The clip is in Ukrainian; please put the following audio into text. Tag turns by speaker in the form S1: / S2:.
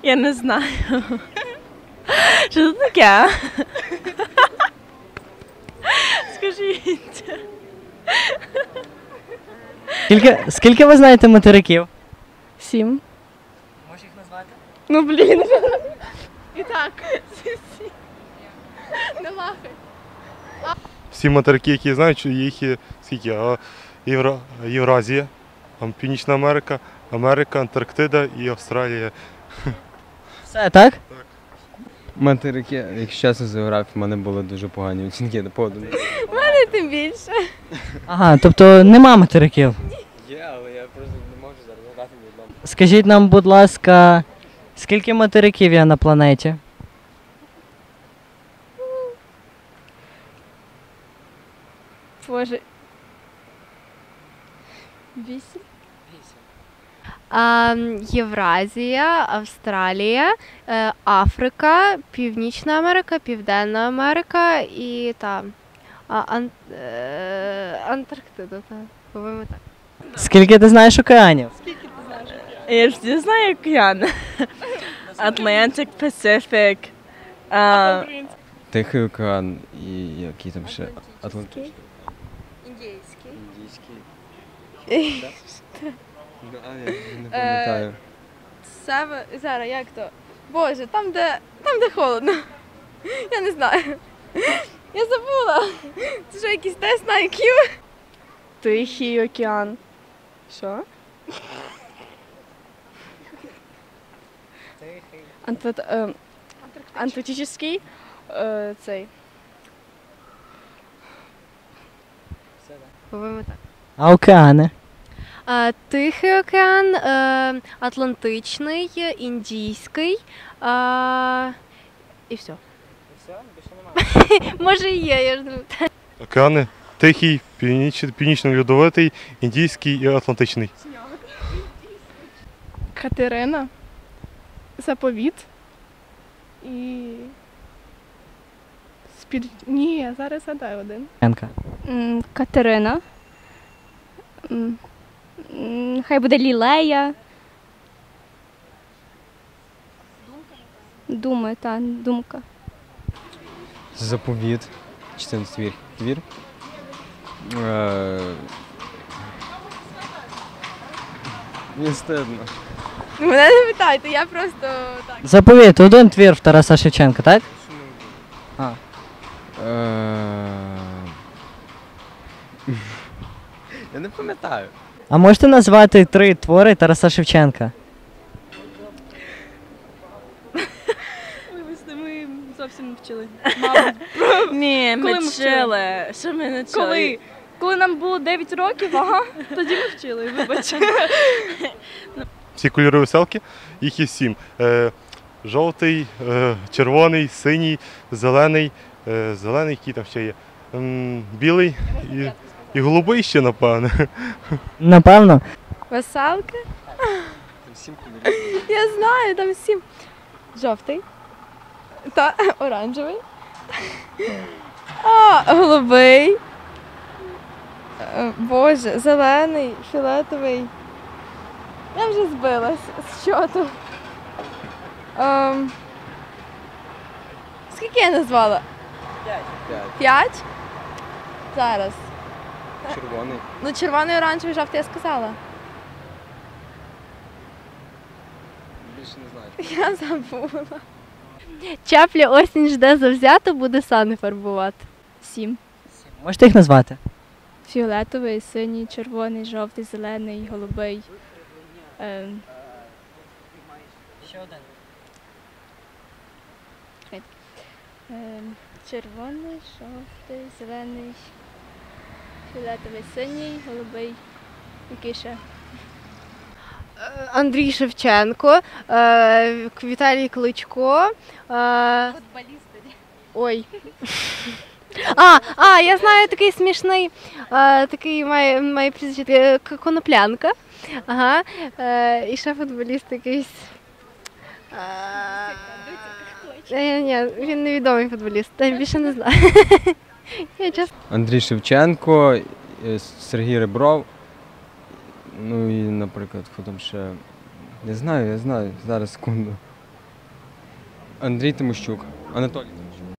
S1: Я не знаю. Що це таке? Скажіть.
S2: Скільки ви знаєте материків?
S3: 7.
S2: Можеш їх назвати?
S3: Ну, блін. І так. Не лахай.
S4: Всі материки, які я знаю, їх є скільки? Євразія, Північна Америка, Америка, Антарктида і Австралія.
S2: Все, так?
S4: Так.
S5: Материки, якщо чесно, з географії в мене були дуже погані оцінки на поводу.
S3: Тим більше.
S2: Ага, тобто нема материків.
S5: Є, але я просто не можу зараз згадати ні одному.
S2: Скажіть нам, будь ласка, скільки материків є на планеті?
S3: Боже. 8.
S6: Євразія, Австралія, Африка, Північна Америка, Південна Америка і Антарктида, по-моєму так.
S2: Скільки ти знаєш океанів?
S1: Я ж знаю океан. Atlantic, Pacific.
S5: Тихий океан і який там ще? Атлантичний.
S6: Індійський.
S5: Індійський. Ну, а я не пам'ятаю.
S3: Зараз, як то? Боже, там, де холодно. Я не знаю. Я забула. Це що, якийсь тест на IQ? Тихий океан. Що? Антарктичний. Цей.
S6: По-моєму так.
S2: А океани?
S6: Тихий океан, Атлантичний, Індійський і все. Може і є, я ж не знаю.
S4: Океани Тихий, Північно-Льодовитий, Індійський і Атлантичний.
S3: Катерина. Заповіт. І... Ні, я зараз згадаю один.
S2: Янка.
S7: Катерина. Хай буде Лілея. Думка.
S5: Заповіт. 14 твір. Мені стидно.
S3: Мене не питайте, я просто так.
S2: Заповіт, один твір в Тараса Шевченка, так? А.
S5: Я не пам'ятаю.
S2: А можете назвати 3 твори Тараса Шевченка?
S3: Вибачте, ми зовсім не вчили.
S1: Ні,
S3: Коли
S1: ми
S3: ми
S1: вчили. Що ми не вчили?
S3: Коли? Коли нам було 9 років, тоді ми вчили, вибач.
S4: Всі кольори веселки, їх є 7. Жовтий, червоний, синій, зелений, який там ще є, білий і голубий ще, напевне.
S2: Напевно.
S3: Веселки?
S5: Там 7 кольорів.
S3: Я знаю, там 7. Жовтий. Та оранжевий. Голубий. Боже, зелений, фіолетовий. Я вже збилась з чоту. Скільки я назвала? 5? Зараз.
S5: Червоний.
S3: Ну, червоний, оранжевий, жовтий я сказала.
S5: Більше не знаю.
S3: Я забула.
S6: Чапля осінь жде завзято, буде сани фарбувати.
S7: 7.
S2: Можете їх назвати?
S7: Фіолетовий, синій, червоний, жовтий, зелений, голубий.
S2: Ще один.
S7: Червоний, жовтий, зелений, фіолетовий, синій, голубий. Який ще?
S6: Андрій Шевченко, Віталій Кличко. Ой. Я знаю такий смішний, такий має прізвище Коноплянка. Ага. І ще футболіст якийсь. Ні, він невідомий футболіст, я більше не знаю.
S5: Андрій Шевченко, Сергій Ребров. Ну і, наприклад, хто там ще. Я знаю, зараз секунду. Андрій Тимощук. Анатолій.